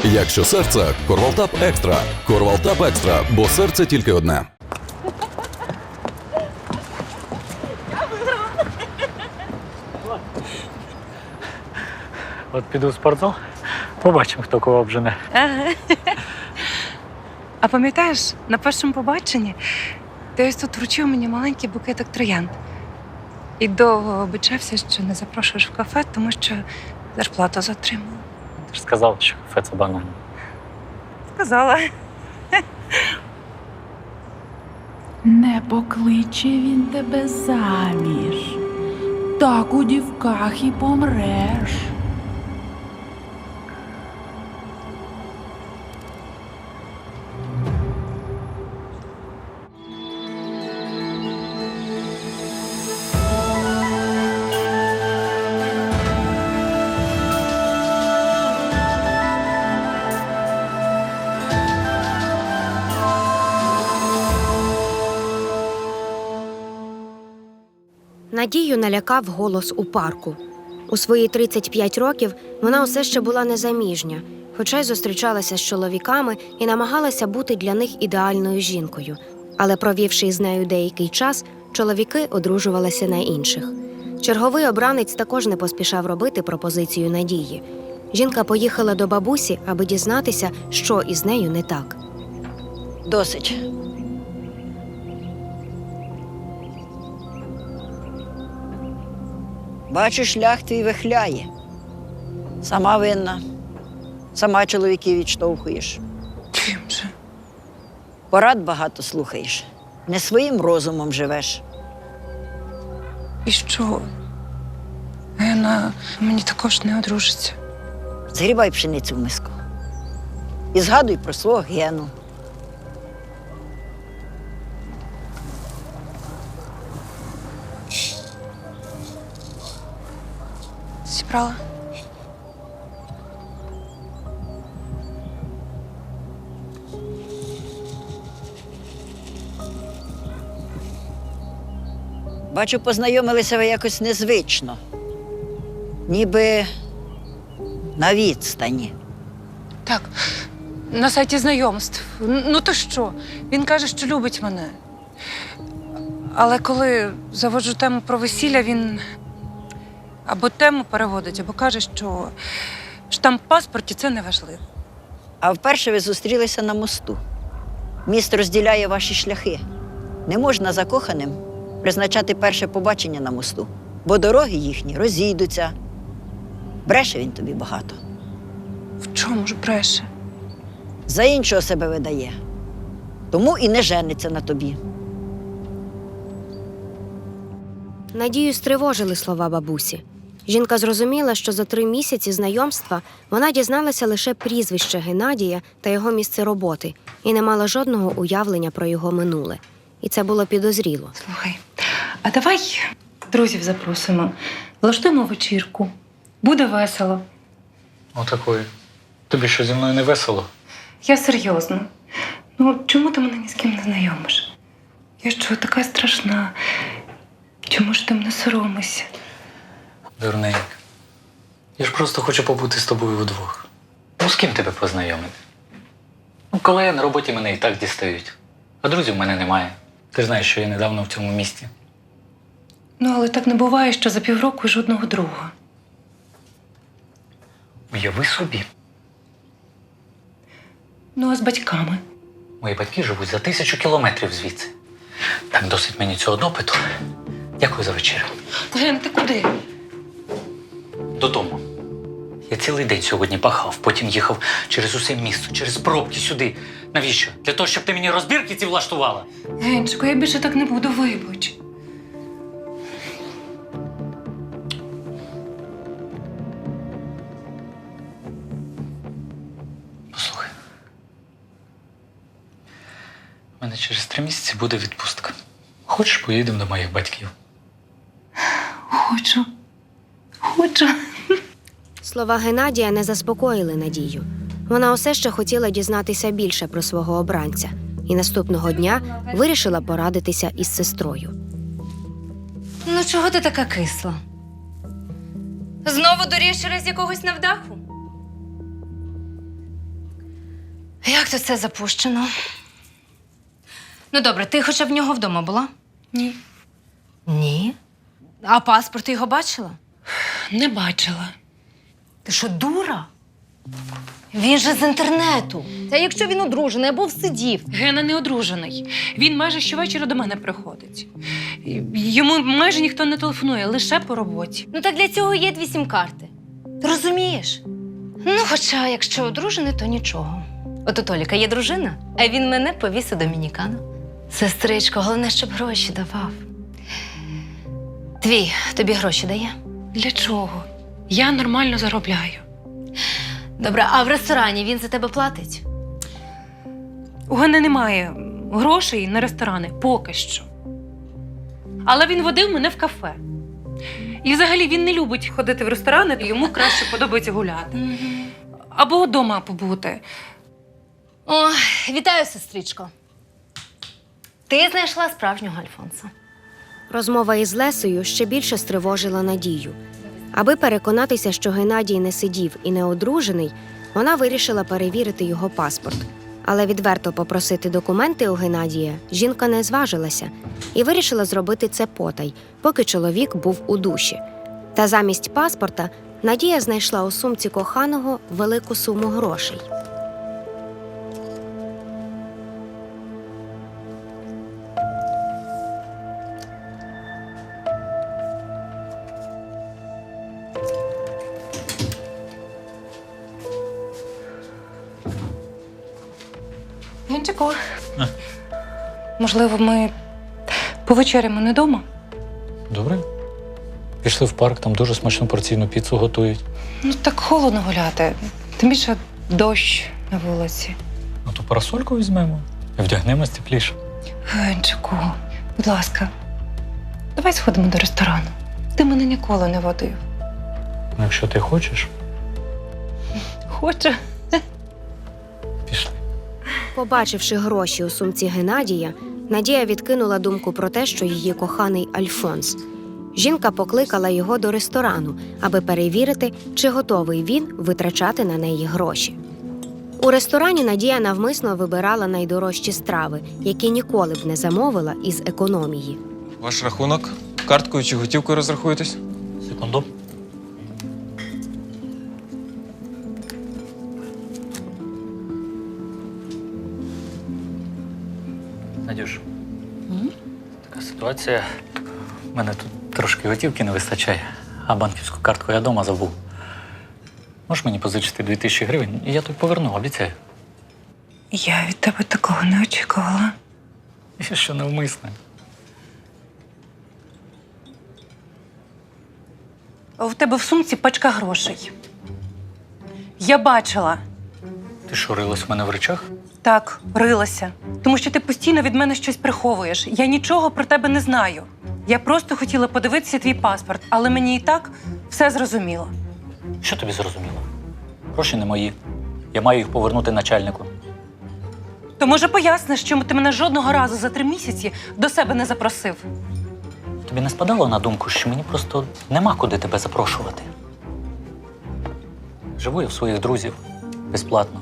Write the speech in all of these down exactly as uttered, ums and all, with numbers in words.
Якщо серце – Корвалтап Екстра. Корвалтап Екстра, бо серце тільки одне. От піду в спортзал, побачимо, хто кого обжене. Ага. А пам'ятаєш, на першому побаченні ти ось тут вручив мені маленький букетик троянд. І довго обіцявся, що не запрошуєш в кафе, тому що зарплату затримала. Ти ж сказав, що кафе це банально. Сказала. Не покличе він тебе заміж. Так у дівках і помреш. Надію налякав голос у парку. У свої тридцять п'ять років вона усе ще була незаміжня, хоча й зустрічалася з чоловіками і намагалася бути для них ідеальною жінкою. Але провівши із нею деякий час, чоловіки одружувалися на інших. Черговий обранець також не поспішав робити пропозицію Надії. Жінка поїхала до бабусі, аби дізнатися, що із нею не так. Досить. Бачу, шлях твій вихляє. Сама винна. Сама чоловіків відштовхуєш. Чим же? Порад багато слухаєш. Не своїм розумом живеш. І що? Гена мені також не одружиться. Згрібай пшеницю в миску. І згадуй про свого Гену. Зібрала? Бачу, познайомилися ви якось незвично. Ніби на відстані. Так, на сайті знайомств. Ну то що? Він каже, що любить мене. Але коли заводжу тему про весілля, він або тему переводить, або каже, що штамп в паспорті – це не важливо. А вперше ви зустрілися на мосту. Міст розділяє ваші шляхи. Не можна закоханим призначати перше побачення на мосту, бо дороги їхні розійдуться. Бреше він тобі багато. В чому ж бреше? За іншого себе видає. Тому і не жениться на тобі. Надію стривожили слова бабусі. Жінка зрозуміла, що за три місяці знайомства вона дізналася лише прізвище Геннадія та його місце роботи і не мала жодного уявлення про його минуле. І це було підозріло. Слухай, а давай друзів запросимо, влаштуємо вечірку. Буде весело. Отакої. Тобі що, зі мною не весело? Я серйозно. Ну, чому ти мене ні з ким не знайомиш? Я що, така страшна? Чому ж ти мене соромишся? Дурненька. Я ж просто хочу побути з тобою вдвох. Ну, з ким тебе познайомити? Ну, колеги на роботі мене і так дістають. А друзів в мене немає. Ти ж знаєш, що я недавно в цьому місті. Ну, але так не буває, що за півроку жодного друга. Уяви собі. Ну, а з батьками? Мої батьки живуть за тисячу кілометрів звідси. Так, досить мені цього допиту. Дякую за вечерю. Ген, ти куди? Додому. Я цілий день сьогодні пахав, потім їхав через усе місто, через пробки сюди. Навіщо? Для того, щоб ти мені розбірки ці влаштувала? Генчику, я більше так не буду, вибач. Послухай. У мене через три місяці буде відпустка. Хочеш, поїдемо до моїх батьків? Хочу. Хочу. Слова Геннадія не заспокоїли Надію. Вона усе ще хотіла дізнатися більше про свого обранця і наступного дня вирішила порадитися із сестрою. Ну, чого ти така кисла? Знову дурієш через якогось невдаху? Як то це запущено? Ну, добре, ти хоча б в нього вдома була? Ні. Ні. А паспорт ти його бачила? Не бачила. Ти що, дура? Він же з інтернету. Та якщо він одружений або всидів. Гена не одружений. Він майже щовечора до мене приходить. Йому майже ніхто не телефонує, лише по роботі. Ну так для цього є дві сім-карти. Ти розумієш? Ну, хоча, якщо одружений, то нічого. От у Толіка є дружина, а він мене повіз у Домінікану. Сестричко, головне, щоб гроші давав. Твій тобі гроші дає? Для чого? Я нормально заробляю. Добре, а в ресторані він за тебе платить? У Гени немає грошей на ресторани поки що. Але він водив мене в кафе. І взагалі він не любить ходити в ресторани, йому краще подобається гуляти. Або вдома побути. О, вітаю, сестричко. Ти знайшла справжнього Альфонса. Розмова із Лесею ще більше стривожила Надію. Аби переконатися, що Геннадій не сидів і не одружений, вона вирішила перевірити його паспорт. Але відверто попросити документи у Геннадія жінка не зважилася і вирішила зробити це потай, поки чоловік був у душі. Та замість паспорта Надія знайшла у сумці коханого велику суму грошей. Генчику, можливо, ми повечеряємо не вдома? Добре. Пішли в парк, там дуже смачну порційну піцу готують. Ну, так холодно гуляти. Тим більше дощ на вулиці. Ну то парасольку візьмемо і вдягнемось тепліше. Генчику, будь ласка, давай сходимо до ресторану. Ти мене ніколи не водив. Ну, якщо ти хочеш, Хочу. пішли. Побачивши гроші у сумці Геннадія, Надія відкинула думку про те, що її коханий Альфонс. Жінка покликала його до ресторану, аби перевірити, чи готовий він витрачати на неї гроші. У ресторані Надія навмисно вибирала найдорожчі страви, які ніколи б не замовила із економії. Ваш рахунок? Карткою чи готівкою розрахуєтесь? Секунду. Надюш, така ситуація. У мене тут трошки готівки не вистачає, а банківську картку я вдома забув. Можеш мені позичити дві тисячі гривень, і я тобі поверну, обіцяю. Я від тебе такого не очікувала. Я що навмисне. У тебе в сумці пачка грошей. Я бачила. Ти що, рилась в мене в речах? Так, рилася. Тому що ти постійно від мене щось приховуєш. Я нічого про тебе не знаю. Я просто хотіла подивитися твій паспорт, але мені і так все зрозуміло. Що тобі зрозуміло? Гроші не мої. Я маю їх повернути начальнику. То може поясниш, чому ти мене жодного разу за три місяці до себе не запросив? Тобі не спадало на думку, що мені просто нема куди тебе запрошувати? Живу я в своїх друзів безплатно.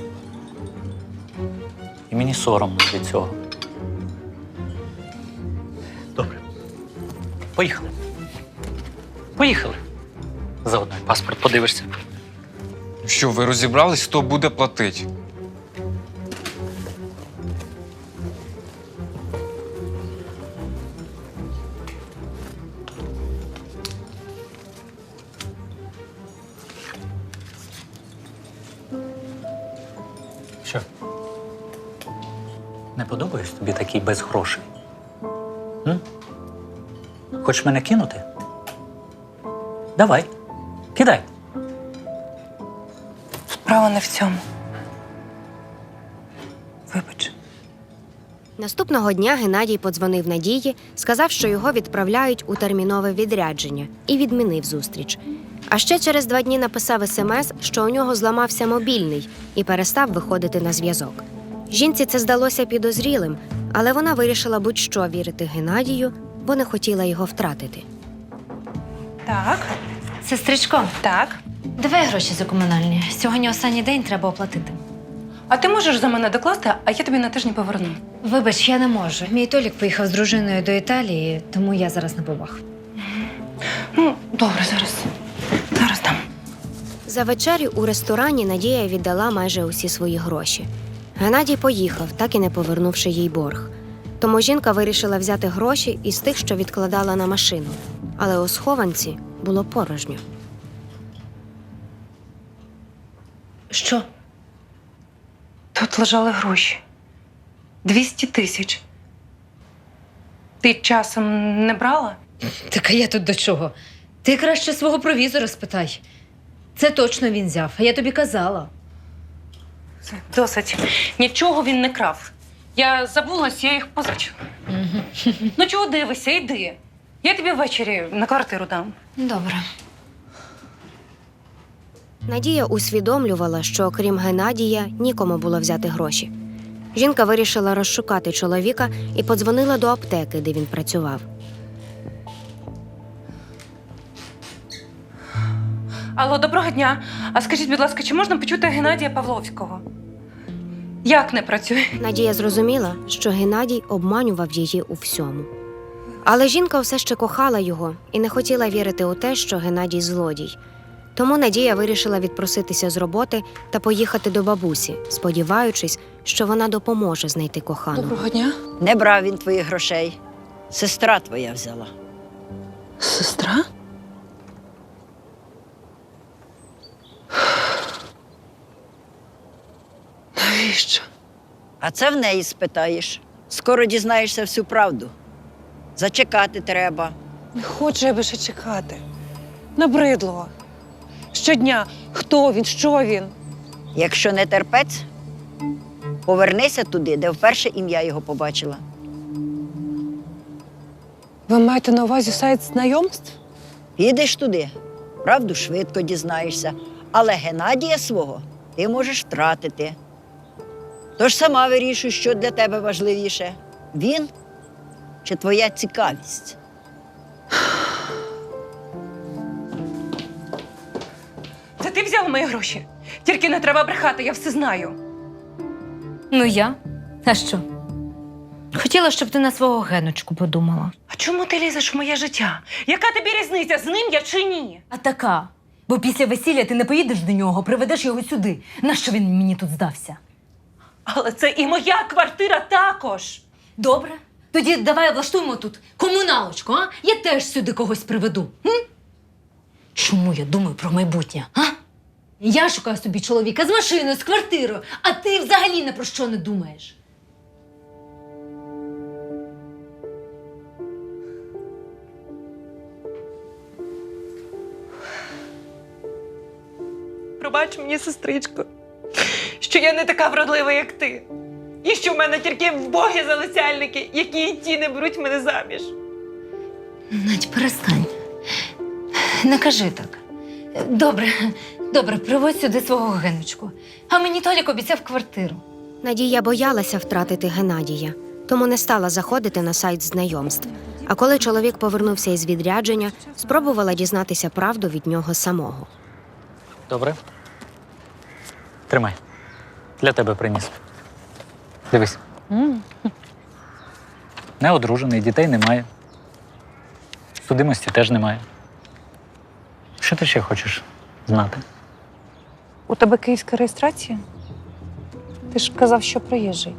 І мені соромно від цього. Добре. Поїхали. Поїхали. Заодно і паспорт подивишся. Що, ви розібрались, хто буде платити? Що? Не подобаюсь тобі такий без грошей? М? Хочеш мене кинути? Давай, кидай. Справа не в цьому. Вибач. Наступного дня Геннадій подзвонив Надії, сказав, що його відправляють у термінове відрядження, і відмінив зустріч. А ще через два дні написав смс, що у нього зламався мобільний і перестав виходити на зв'язок. Жінці це здалося підозрілим, але вона вирішила будь-що вірити Геннадію, бо не хотіла його втратити. Так, Сестричко, так. давай гроші за комунальні. Сьогодні останній день треба оплатити. А ти можеш за мене докласти, а я тобі на тиждень поверну. Вибач, я не можу. Мій Толік поїхав з дружиною до Італії, тому я зараз на побах. Ну, добре, зараз. Зараз дам. За вечерю у ресторані Надія віддала майже усі свої гроші. Геннадій поїхав, так і не повернувши їй борг. Тому жінка вирішила взяти гроші із тих, що відкладала на машину. Але у схованці було порожньо. Що? Тут лежали гроші. Двісті тисяч. Ти часом не брала? Так а я тут до чого? Ти краще свого провізора спитай. Це точно він взяв, а я тобі казала. Це досить. Нічого він не крав. Я забулась, я їх позичила. Угу. Ну чого дивишся, йди. Я тобі ввечері на квартиру дам. Добре. Надія усвідомлювала, що окрім Геннадія нікому було взяти гроші. Жінка вирішила розшукати чоловіка і подзвонила до аптеки, де він працював. Алло, доброго дня. А скажіть, будь ласка, чи можна почути Геннадія Павловського? Як не працює? Надія зрозуміла, що Геннадій обманював її у всьому. Але жінка все ще кохала його і не хотіла вірити у те, що Геннадій злодій. Тому Надія вирішила відпроситися з роботи та поїхати до бабусі, сподіваючись, що вона допоможе знайти коханого. Доброго дня. Не брав він твоїх грошей. Сестра твоя взяла. Сестра? Навіщо? А це в неї спитаєш. Скоро дізнаєшся всю правду. Зачекати треба. Не хочу я більше чекати. Набридло. Щодня. Хто він, що він? Якщо не терпець, повернися туди, де вперше ім'я його побачила. Ви маєте на увазі сайт знайомств? Підеш туди, правду швидко дізнаєшся. Але Геннадія свого ти можеш втратити. Тож сама вирішуй, що для тебе важливіше. Він чи твоя цікавість? Це ти взяв мої гроші? Тільки не треба брехати, я все знаю. Ну я? А що? Хотіла, щоб ти на свого Геночку подумала. А чому ти лізеш в моє життя? Яка тобі різниця, з ним я чи ні? А така. Бо після весілля ти не поїдеш до нього, приведеш його сюди. Нащо він мені тут здався? Але це і моя квартира також. Добре. Тоді давай влаштуємо тут комуналочку, а? Я теж сюди когось приведу. М? Чому я думаю про майбутнє, а? Я шукаю собі чоловіка з машиною, з квартирою, а ти взагалі не про що не думаєш. Пробач мені, сестричко, що я не така вродлива, як ти. І що в мене тільки вбогі залицяльники, які і ті не беруть мене заміж. Надь, перестань. Не кажи так. Добре, добре, приводь сюди свого Геночку. А мені Толік обіцяв квартиру. Надія боялася втратити Геннадія, тому не стала заходити на сайт знайомств. А коли чоловік повернувся із відрядження, спробувала дізнатися правду від нього самого. Добре? Тримай. Для тебе приніс. Дивись. Не одружений, дітей немає. Судимості теж немає. Що ти ще хочеш знати? У тебе київська реєстрація? Ти ж казав, що приїжджий.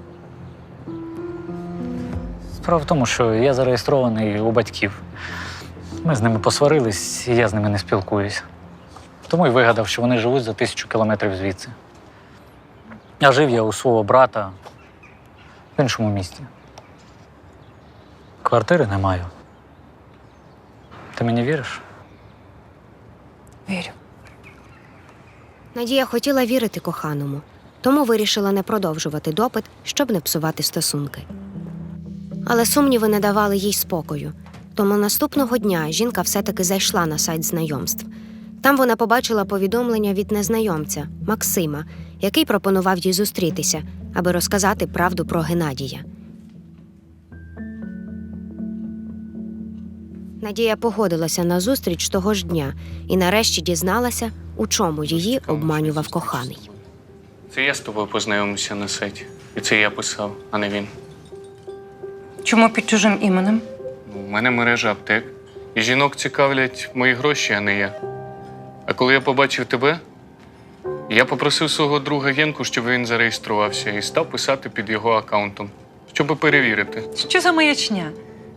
Справа в тому, що я зареєстрований у батьків. Ми з ними посварились, і я з ними не спілкуюся. Тому й вигадав, що вони живуть за тисячу кілометрів звідси. А жив я у свого брата в іншому місті. Квартири не маю. Ти мені віриш? Вірю. Надія хотіла вірити коханому, тому вирішила не продовжувати допит, щоб не псувати стосунки. Але сумніви не давали їй спокою. Тому наступного дня жінка все-таки зайшла на сайт знайомств. Там вона побачила повідомлення від незнайомця Максима, який пропонував їй зустрітися, аби розказати правду про Геннадія. Надія погодилася на зустріч того ж дня і нарешті дізналася, у чому її обманював коханий. Це я з тобою познайомився на сайті. І це я писав, а не він. Чому під чужим іменем? У мене мережа аптек. І жінок цікавлять мої гроші, а не я. А коли я побачив тебе, я попросив свого друга Генку, щоб він зареєструвався і став писати під його аккаунтом, щоб перевірити. Що за маячня?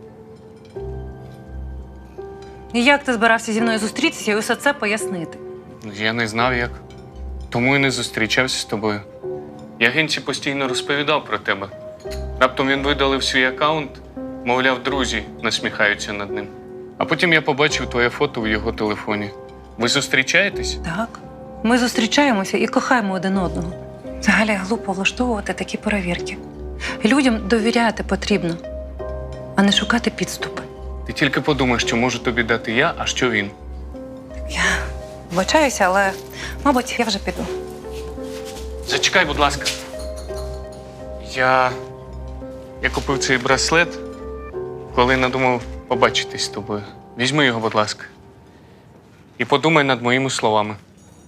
І як ти збирався зі мною зустрітися і усе це пояснити? Я не знав як. Тому і не зустрічався з тобою. Я Генці постійно розповідав про тебе. Раптом він видалив свій аккаунт, мовляв, друзі насміхаються над ним. А потім я побачив твоє фото в його телефоні. Ви зустрічаєтесь? Так. Ми зустрічаємося і кохаємо один одного. Взагалі глупо влаштовувати такі перевірки. Людям довіряти потрібно, а не шукати підступи. Ти тільки подумай, що можу тобі дати я, а що він. Я вибачаюся, але, мабуть, я вже піду. Зачекай, будь ласка. Я. Я купив цей браслет, коли надумав побачитись з тобою. Візьми його, будь ласка. І подумай над моїми словами.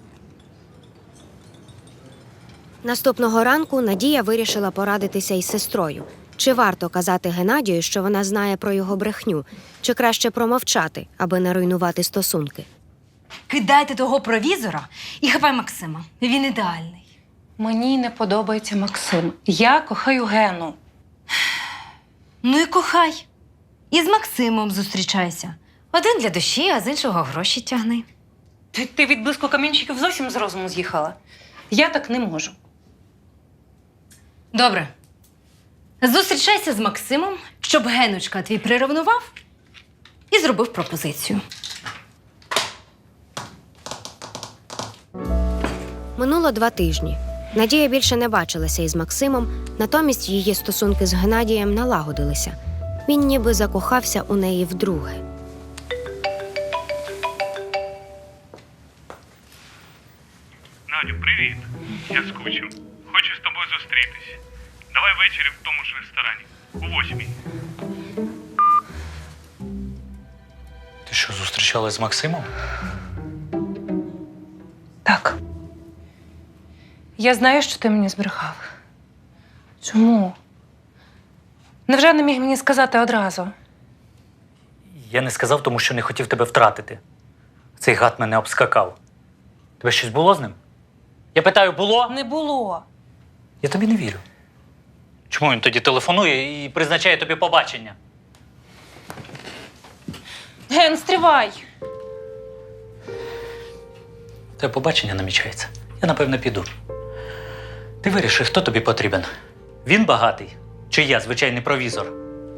Наступного ранку Надія вирішила порадитися із сестрою. Чи варто казати Геннадію, що вона знає про його брехню, чи краще промовчати, аби не руйнувати стосунки? Кидайте того провізора і хапай Максима. Він ідеальний. Мені не подобається Максим. Я кохаю Гену. Ну і кохай. І з Максимом зустрічайся. Один для душі, а з іншого гроші тягни. Ти, ти від блиску камінчиків зовсім з розуму з'їхала. Я так не можу. Добре. Зустрічайся з Максимом, щоб Геночка твій приревнував і зробив пропозицію. Минуло два тижні. Надія більше не бачилася із Максимом, натомість її стосунки з Геннадієм налагодилися. Він ніби закохався у неї вдруге. Надю, привіт. Я скучив. Хочу з тобою зустрітись. Давай ввечері в тому ж ресторані. У восьмій. Ти що, зустрічалась з Максимом? Так. Я знаю, що ти мені збрехав. Чому? Невже не міг мені сказати одразу? Я не сказав, тому що не хотів тебе втратити. Цей гад мене обскакав. Тебе щось було з ним? Я питаю, було? Не було. Я тобі не вірю. Чому він тоді телефонує і призначає тобі побачення? Ген, стривай! Те побачення намічається. Я, напевно, піду. Ти виріши, хто тобі потрібен. Він багатий? Чи я, звичайний провізор?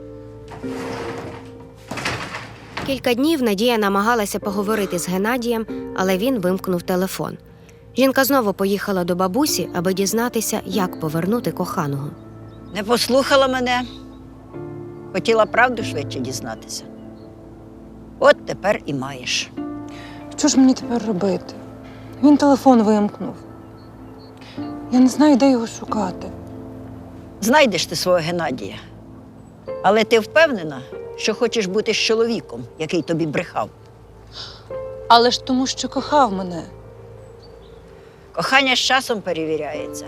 Кілька днів Надія намагалася поговорити з Геннадієм, але він вимкнув телефон. Жінка знову поїхала до бабусі, аби дізнатися, як повернути коханого. Не послухала мене. Хотіла правду швидше дізнатися. От тепер і маєш. Що ж мені тепер робити? Він телефон вимкнув. Я не знаю, де його шукати. Знайдеш ти свого Геннадія. Але ти впевнена, що хочеш бути з чоловіком, який тобі брехав? Але ж тому, що кохав мене. Кохання з часом перевіряється.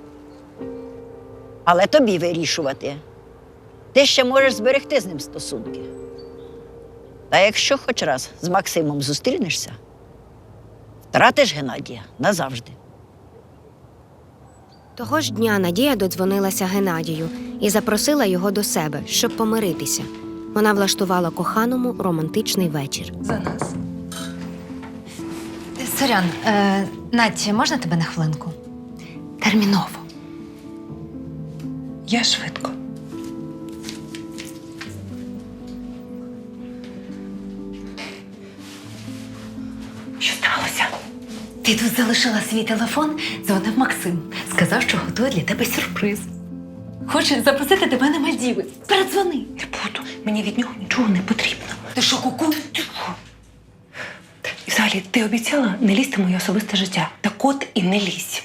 Але тобі вирішувати. Ти ще можеш зберегти з ним стосунки. Та якщо хоч раз з Максимом зустрінешся, втратиш Геннадія назавжди. Того ж дня Надія додзвонилася Геннадію і запросила його до себе, щоб помиритися. Вона влаштувала коханому романтичний вечір. За нас. Сорян, е, Надь, можна тебе на хвилинку? Терміново. Я швидко. Що сталося? Ти тут залишила свій телефон, дзвонив Максим. Сказав, що готує для тебе сюрприз. Хоче запросити тебе на Мальдіви. Передзвони. Не буду. Мені від нього нічого не потрібно. Ти що, куку? Тихо. І взагалі, ти обіцяла не лізти в моє особисте життя. Так от і не лізь.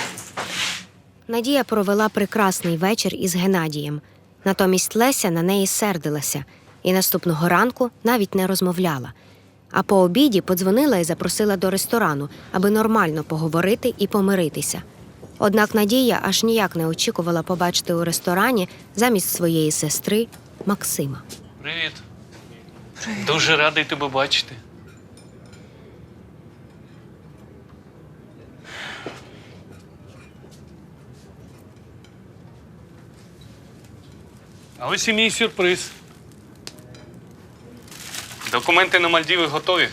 Надія провела прекрасний вечір із Геннадієм. Натомість Леся на неї сердилася і наступного ранку навіть не розмовляла. А по обіді подзвонила і запросила до ресторану, аби нормально поговорити і помиритися. Однак Надія аж ніяк не очікувала побачити у ресторані замість своєї сестри Максима. Привіт. Дуже радий тебе бачити. А ось і мій сюрприз. Документи на Мальдіви готові.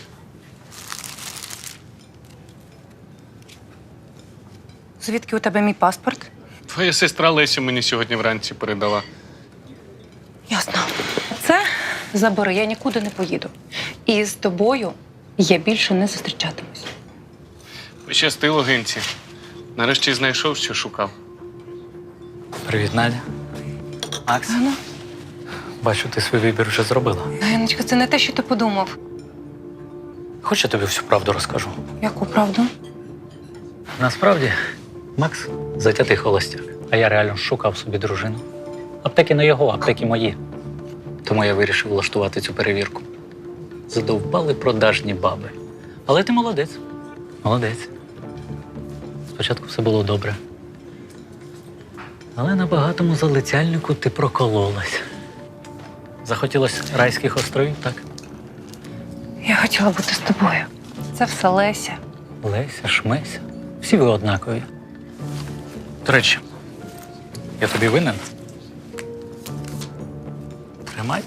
Звідки у тебе мій паспорт? Твоя сестра Леся мені сьогодні вранці передала. Ясно. Це забери, я нікуди не поїду. І з тобою я більше не зустрічатимусь. Пощастило, Генці. Нарешті знайшов, що шукав. Привіт, Надя. Макс, Ну, бачу, ти свій вибір вже зробила. Яночка, це не те, що ти подумав. Хоч я тобі всю правду розкажу. Яку правду? Насправді, Макс затятий холостяк, а я реально шукав собі дружину. Аптеки не його, аптеки мої. Тому я вирішив влаштувати цю перевірку. Задовбали продажні баби. Але ти молодець. Молодець. Спочатку все було добре. Але на багатому залицяльнику ти прокололась. Захотілося райських островів, так? Я хотіла бути з тобою. Це все Леся. Леся, Шмеся. Всі ви однакові. До речі, я тобі винен. Тримай.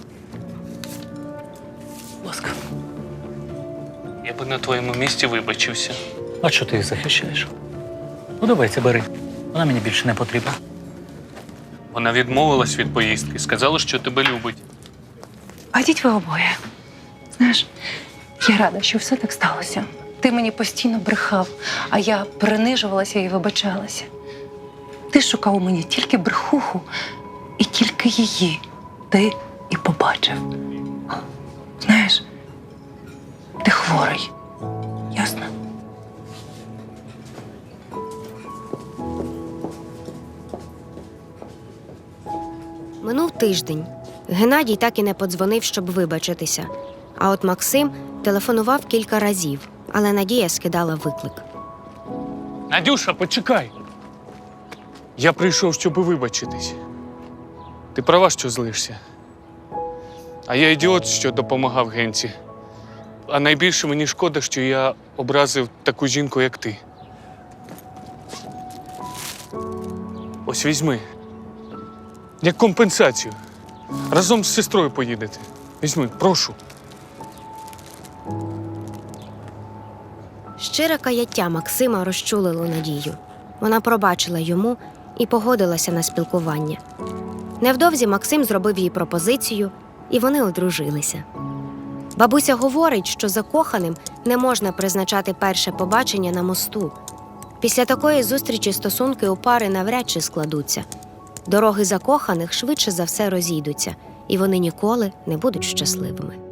Будь ласка. Я би на твоєму місці вибачився. А що ти їх захищаєш? Ну, давай це бери. Вона мені більше не потрібна. Вона відмовилась від поїздки, сказала, що тебе любить. А йдіть ви обоє. Знаєш, я рада, що все так сталося. Ти мені постійно брехав, а я принижувалася і вибачалася. Ти шукав у мені тільки брехуху, і тільки її ти і побачив. Знаєш, ти хворий. Ясно? Минув тиждень. Геннадій так і не подзвонив, щоб вибачитися. А от Максим телефонував кілька разів, але Надія скидала виклик. Надюша, почекай. Я прийшов, щоб вибачитись. Ти права, що злишся. А я ідіот, що допомагав Генці. А найбільше мені шкода, що я образив таку жінку, як ти. Ось візьми. Як компенсацію. Разом з сестрою поїдете. Візьми, прошу. Щире каяття Максима розчулило Надію. Вона пробачила йому і погодилася на спілкування. Невдовзі Максим зробив їй пропозицію, і вони одружилися. Бабуся говорить, що закоханим не можна призначати перше побачення на мосту. Після такої зустрічі стосунки у пари навряд чи складуться. Дороги закоханих швидше за все розійдуться, і вони ніколи не будуть щасливими.